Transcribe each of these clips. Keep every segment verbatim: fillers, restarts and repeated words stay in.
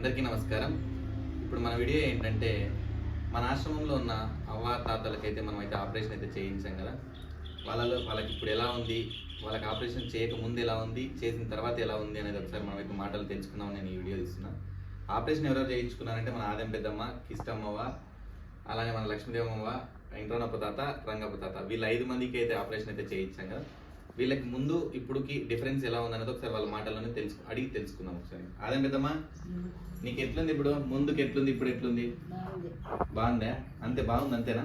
అందరికీ నమస్కారం. ఇప్పుడు మన వీడియో ఏంటంటే మన ఆశ్రమంలో ఉన్న అవ్వ తాతలకైతే మనం అయితే ఆపరేషన్ అయితే చేయించాం కదా. వాళ్ళలో వాళ్ళకి ఇప్పుడు ఎలా ఉంది, వాళ్ళకి ఆపరేషన్ చేయక ముందు ఎలా ఉంది, చేసిన తర్వాత ఎలా ఉంది అనేది ఒకసారి మనం అయితే మాటలు తెలుసుకుందాం. నేను ఈ వీడియో తీస్తున్నాను. ఆపరేషన్ ఎవరెవరు చేయించుకున్నారంటే మన ఆదెం పెద్దమ్మ, కిష్టమ్మవ్వ, అలానే మన లక్ష్మీదేవమ్మ, వెంకటరమణప్ప తాత, రంగప్ప తాత, వీళ్ళ ఐదు మందికి అయితే ఆపరేషన్ అయితే చేయించాం కదా. వీళ్ళకి ముందు ఇప్పుడుకి డిఫరెన్స్ ఎలా ఉందనేది ఒకసారి వాళ్ళ మాటల్లోనే తెలుసు అడిగి తెలుసుకుందాం. ఒకసారి ఆదెం పెద్దమ్మా, నీకు ఎట్లుంది ఇప్పుడు, ముందుకు ఎట్లుంది, ఇప్పుడు ఎట్లుంది? బాగుందా? అంతే బాగుంది అంతేనా?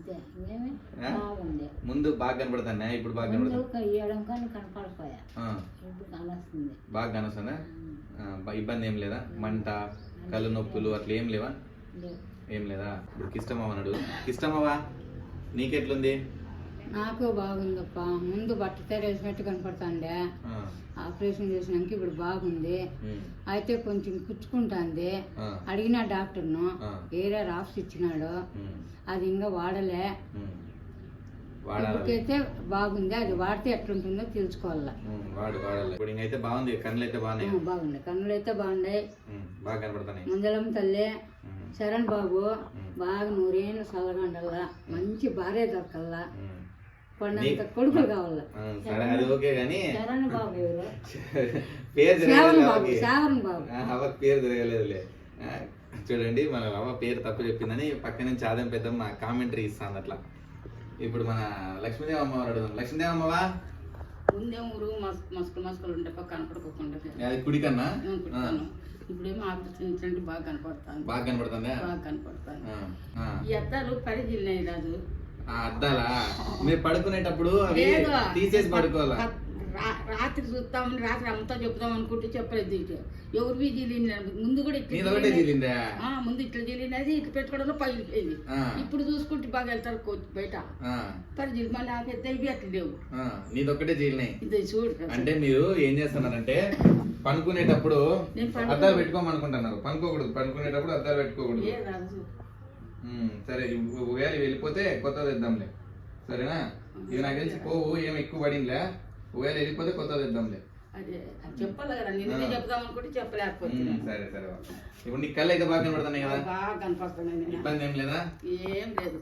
ముందు బాగా కనపడుతున్నా, ఇప్పుడు బాగా కనపడుతుంది. బాగా కనొస్తుందా? ఇబ్బంది ఏం లేదా? మంట, కళ్ళు నొప్పులు అట్లా ఏం లేవా? ఏం లేదా? ఇప్పుడు కిష్టమ్మవ అన్నాడు. కిష్టమ్మవా నీకెట్లుంది? నాకు బాగుందప్ప. ముందు బట్ట తెరేసినట్టు కనపడుతుండే, ఆపరేషన్ చేసినాక ఇప్పుడు బాగుంది. అయితే కొంచెం పుచ్చుకుంటుంది. అడిగిన డాక్టర్ను వేరే రాప్స్ ఇచ్చినాడు, అది ఇంకా వాడలే. ఇప్పటికైతే బాగుంది, అది వాడితే ఎట్లుంటుందో తెలుసుకోవాలా. బాగుంది, కన్నులు అయితే బాగుంది, కన్నులు అయితే బాగున్నాయి, బాగా కనపడుతున్నాయి. ముందలం తల్లి శరణ్ బాబు బాగా నూరేళ్ళు చల్లగండల్లా, మంచి భార్య దొరకల్లా, కొండంత కొడుకులు కావాలా. శరణ్ బాబు ఎవరు? శ్రావణ్ బాబు. శ్రావణ్ బాబు అవ్వకి పేరు తిరగలేదులే. చూడండి, మన అవ్వ పేరు తప్పు చెప్పిందని పక్క నుంచి ఆదెం పెద్దమ్మ కామెంటరీ ఇస్తాను అట్లా. ఇప్పుడు మన లక్ష్మీదేవమ్మ అడుగుదాం. లక్ష్మీదేవమ్మవా, ముందేం ఊరు మస్కులు మస్కులు ఉంటే పక్క కనపడుకోకుండా అది కుడి కన్నా ఇప్పుడేమో ఆపరేషన్ బాగా కనపడతాను. బాగా కనపడుతుందా? బాగా కనపడతాను. ఈ అద్దాలు పరిధిల్లినాయి రాదు. అద్దాలా? మీరు పడుకునేటప్పుడు అవి తీసేసి పడుకోవాలా? రాత్రి చూస్తామని రాత్రి అంతా చెప్తాం అనుకుంటే చెప్పలేదు. ఎవరివి జీలిన ముందు కూడా ఇట్లా ముందు ఇట్లా జీలినది, ఇట్లా పెట్టుకోవడంలో పగిలిపోయింది. ఇప్పుడు చూసుకుంటే బాగా వెళ్తారు బయట పరిధి, మళ్ళీ ఆ పెద్ద ఇవి అట్లా లేవు. నీదొక్కటే జీలినాయి. ఇది చూడు. అంటే మీరు ఏం చేస్తున్నారంటే పనుకునేటప్పుడు అద్దాలు పెట్టుకోమనుకుంటున్నారు. పనుకోకూడదు, పనుకునేటప్పుడు అద్దాలు పెట్టుకోకూడదు. సరే, ఒకవేళ వెళ్ళిపోతే కొత్తది ఇద్దాంలే, సరేనా? ఇవి నాకు తెలిసి పోవు, ఏం ఎక్కువ పడిందిలే. ఒకవేళ వెళ్ళిపోతే కొత్తది ఇద్దాంలే. చెప్పాలి కదా, నేను చెప్దాం అనుకుంటే చెప్పలేకపోతే. సరే సరే. ఇప్పుడు నీ కళ్ళు అయితే బాగా కనపడుతున్నాయి కదా? బాగా కనపడుతున్నాయి. ఇబ్బంది ఏం లేదా? ఏం లేదు.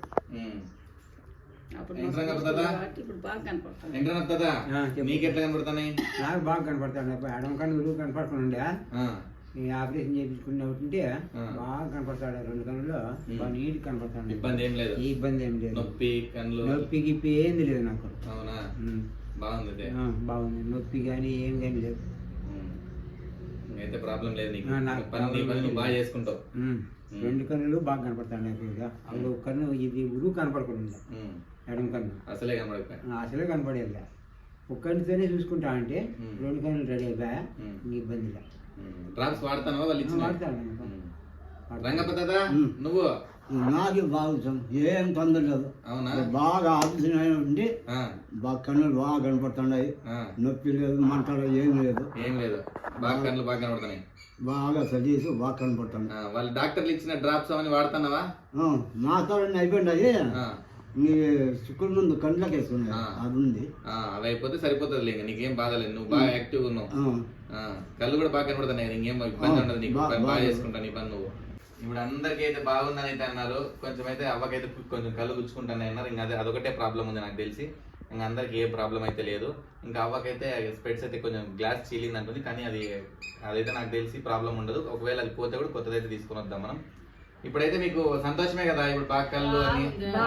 నీకు ఎట్లా కనపడుతున్నాయి? నాకు బాగా కనపడతాను. ఎడం కన్ను కనపడుతుండే, ఈ ఆపరేషన్ చేయించుకున్నట్టుంటే బాగా కనపడతాడు. రెండు కన్నులు బాగా నీట్ కనపడతాడు. ఇబ్బంది ఏం లేదు. ఇబ్బంది ఏం లేదు. నొప్పి కన్నులు నొప్పి గిప్పి ఏంది లేదు నాకు. అవునా? బాగుంది. బాగుంది, నొప్పి కానీ ఏం కానీ లేదు. అయితే ప్రాబ్లం లేదు నీకు. పని బాగా చేసుకుంటావు. రెండు కన్నులు బాగా కనపడతాడు. అప్పుడు కన్ను ఇది ఉరుగు కనపడకుండా, ఎడం కన్ను అసలే కనపడ అసలే కనపడేది. ఒక కన్నుతోనే చూసుకుంటా అంటే రెండు కన్నులు రెడీ అయిపోయా, ఇబ్బంది లేదు. డ్రాప్స్ వాడతాను వాళ్ళు ఇచ్చి వాడతాను. రంగప్ప తాత, నువ్వు? నాకు బాగుంది, ఏం తొందర లేదు. అవునా? బాగా ఆపరేషన్ ఉండి బాగా కన్నులు బాగా కనపడుతున్నాయి. నొప్పి లేదు, మంటలు ఏం లేదు. ఏం లేదు, బాగా కన్నులు బాగా కనపడుతున్నాయి. బాగా సజీసు బాగా కనపడుతుంది. వాళ్ళు డాక్టర్లు ఇచ్చిన డ్రాప్స్ అవన్నీ వాడుతున్నావా? మా తోడు అయిపోయింది. నీ శుక్రుడు ముందు కండ్లకి వేసుకున్నాయి, అది ఉంది. అది అయిపోతే సరిపోతుంది లేక, నీకేం బాధ లేదు. నువ్వు బాగా యాక్టివ్ ఉన్నావు, కళ్ళు కూడా బాగా కనపడుతున్నాయి. నీకేం ఇబ్బంది ఉండదు, నీకు బాగా చేసుకుంటాను నీ పని నువ్వు. ఇప్పుడు అందరికీ అయితే బాగుందని అయితే అన్నారు. కొంచెం అయితే అవ్వకైతే కొంచెం కళ్ళు గుచ్చుకుంటాను అన్నారు. ఇంకా అదే అదొకటే ప్రాబ్లం ఉంది నాకు తెలిసి. ఇంకా అందరికి ఏ ప్రాబ్లం అయితే లేదు. ఇంకా అవ్వకైతే స్పెట్స్ అయితే కొంచెం గ్లాస్ చీలింది అంటుంది, కానీ అది అదైతే నాకు తెలిసి ప్రాబ్లం ఉండదు. ఒకవేళ అది పోతే కూడా కొత్తదైతే తీసుకుని వద్దాం మనం. ఇప్పుడైతే మీకు సంతోషమే కదా? ఇప్పుడు బాగా కళ్ళు అని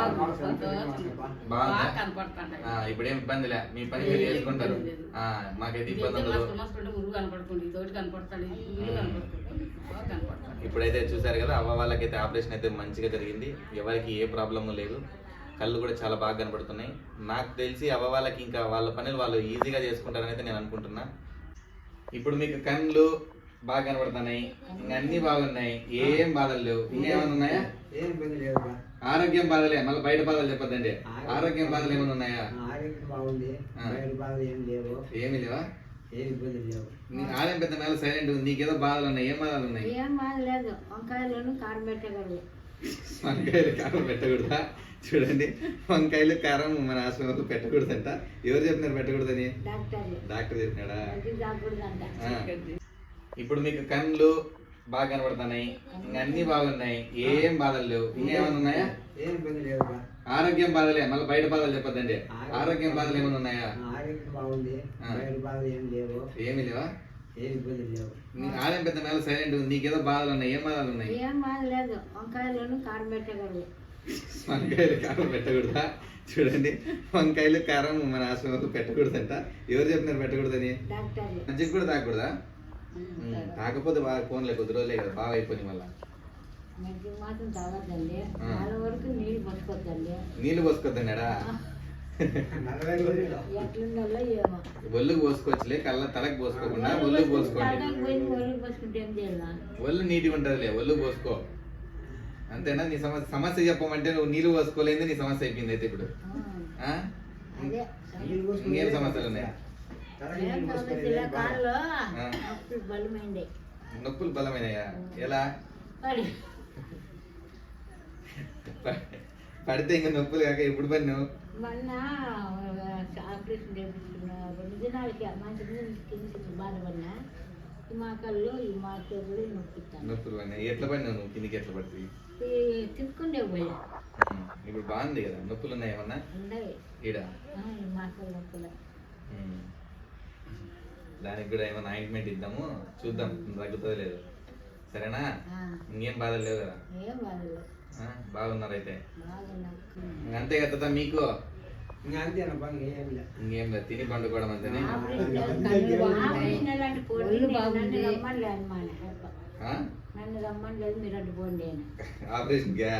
బాగుందా? ఇప్పుడేం ఇబ్బంది లే, మీ పని మీరు చేసుకుంటారు. మాకైతే ఇబ్బంది ఉండదు. ఇప్పుడైతే చూసారు కదా, అవ్వ వాళ్ళకైతే ఆపరేషన్ అయితే మంచిగా జరిగింది. ఎవరికి ఏ ప్రాబ్లము లేదు. కళ్ళు కూడా చాలా బాగా కనపడుతున్నాయి. నాకు తెలిసి అవ్వ వాళ్ళకి ఇంకా వాళ్ళ పనులు వాళ్ళు ఈజీగా చేసుకుంటారని అయితే నేను అనుకుంటున్నా. ఇప్పుడు మీకు కళ్ళు బాగా కనపడుతున్నాయి, ఇంకా అన్ని బాగున్నాయి, ఏం బాధలు లేవు. ఇంకేమైనా ఉన్నాయా? ఏం ఇబ్బంది లేదు. ఆరోగ్యం బాధలే, మళ్ళీ బయట బాధలు చెప్పొద్దండి. ఆరోగ్యం బాధలు ఏమైనా ఉన్నాయా? ఆరోగ్యం బాగుంది, బయట బాధలు ఏం లేవు. ఏమి లేవా? ఏం ఇబ్బంది లేవు. ఆలయం పెద్ద మేళ సైలెంట్ ఉంది. నీకేదో బాధలు ఉన్నాయి. ఏం బాధలు ఉన్నాయి? ఏం బాధ లేదు. వంకాయలను కారం పెట్టగలరు. వంకాయలు కారం పెట్టకూడదా? చూడండి, వంకాయలు కారం మన ఆశ్రమంలో పెట్టకూడదంట. ఎవరు చెప్పినారు పెట్టకూడదని? డాక్టర్ చెప్పినాడా? ఇప్పుడు మీకు కళ్ళు బాగా కనబడుతున్నాయి, ఇంకా అన్ని బాగున్నాయి, ఏం బాధలు లేవు. ఇంకేమైనా ఉన్నాయా? ఏం ఇబ్బంది లేదుగా. ఆరోగ్యం బాధలే, మళ్ళీ బయట బాధలు చెప్పొద్దండి. ఆరోగ్యం బాధలు ఏమైనా ఉన్నాయా? ఆరోగ్యం బాగుంది, బయట బాధలు ఏం లేవు, ఏమి లేవా? ఏం ఇబ్బంది లేవు. ఆదాయం పెద్ద మేళ సైలెంట్ ఉంది, నీకేదో బాధలు ఉన్నాయి. ఏం బాధలు ఉన్నాయి? ఏం బాధ లేదు, వంకాయలను కారం పెట్టగలరు. వంకాయలు కారం పెట్టకూడదా? చూడండి, వంకాయలు కారం మన ఆశ్రమంలో పెట్టకూడదంట. ఎవరు చెప్పినారు పెట్టకూడదని? డాక్టర్లు మంచిగా కూడా తాగకూడదా? తాకపోతే బాగా ఫోన్లే కొద్ది రోజులే కదా, బాగా అయిపోయి మళ్ళీ. మధ్య మాత్రం తాగద్దండి, చాలా వరకు నీళ్ళు పట్టుకోద్దండి. నీళ్ళు పోసుకోద్దన్నాడా? నలభై రోజులు ఎట్లుండాలో ఏమో. ఒళ్ళుకు పోసుకోవచ్చులే, కళ్ళ తలకు పోసుకోకుండా ఒళ్ళుకు పోసుకోండి. తలకాయ పోయింది ఒళ్ళు పోసుకుంటే ఏం చేయాలా? ఒళ్ళు నీట్గా ఉంటుందిలే, ఒళ్ళు పోసుకో. అంతేనా? నీ సమస్య సమస్య చెప్పమంటే నువ్వు నీళ్ళు పోసుకోలేదు, నీ సమస్య అయిపోయింది అయితే ఇప్పుడు. ఆ? అదే నీళ్ళు పోసుకుని ఇంకేం సమస్యలు ఉన్నాయి? తలకి ఏం నీళ్ళు పోసుకొని సమస్యలే, కాళ్ళు ఆ. నొప్పులు బలమైంది. నొప్పులు బలమైనయా? ఎలా? పడి పడితే ఇంకా నొప్పులు కాక ఎప్పుడు పడి నువ్వు? మొన్న ఆపరేషన్ చేయించుకున్నా రెండు దినాలకి మంచి కింద బాధపడినా. ఈ మా కళ్ళు ఈ మా చేతులు నొప్పిస్తాను. నొప్పులు పడినాయి. ఎట్లా పడినావు నువ్వు? కిందికి ఎట్లా పడుతుంది? తిప్పుకుండే పోయా ఇప్పుడు బాగుంది కదా? నొప్పులు ఉన్నాయి ఏమన్నా ఉండయి. ఈడ? ఆ, ఈ మా కళ్ళు నొప్పులు. ఉమ్. దానికి కూడా ఏమైనా ఆయింట్మెంట్ ఇద్దాము, చూద్దాం తగ్గుతుందో లేదు. సరేనా? ఆ, ఇంకేం బాధలు లేవు కదా? ఏం బాధలు ఆ, బాగున్నారు అయితే. బాగున్నా. ఇంక అంతే కదా మీకు? ఇంకా అంతేనప్పా, ఏం లేదు. ఇంకేం లేదు, తిని పండుకోవడం అంతేనే. ఆపరేషన్ అలాంటి పోటీ నన్ను రమ్మని అనమాట. ఆ? నన్ను రమ్మని లేదు, మీరు అడ్డు పోండి అని. ఆపరేషన్ గా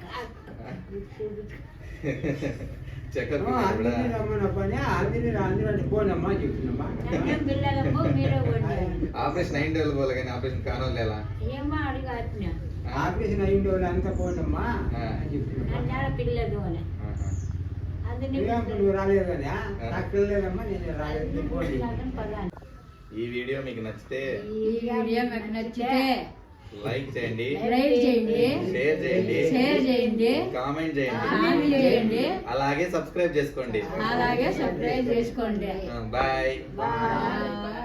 చెకప్ అందరినీ రమ్మనప్పా, అందరినీ అందరూ పోనమ్మా చెప్తున్నమ్మా. నన్నేం పిల్లలమ్మో మీరే పోండి అని. ఆపరేషన్ అయింది వాళ్ళు పోలే కానీ ఆపరేషన్ కానోళ్ళు ఎలా? ఏమో అడిగి అట్టినా ఆపరేషన్ అయ్యింది వాళ్ళు అంతా పోనమ్మా అని చెప్తున్నా. నన్ను పిల్లలు అని. ఆహా. అందుకే నువ్వు రాలేదు కదా, నాకు పిల్లలేదమ్మా, నేను రాలేదు, పోండి. పదాన్ని ఈ వీడియో మీకు నచ్చితే ఈ వీడియో మీకు నచ్చితే లైక్ చేయండి, లైక్ చేయండి, షేర్ చేయండి, షేర్ చేయండి, కామెంట్ చేయండి, కామెంట్ చేయండి, అలాగే సబ్స్క్రైబ్ చేసుకోండి. అలాగే సబ్స్క్రైబ్ చేసుకోండి. బాయ్. బాయ్.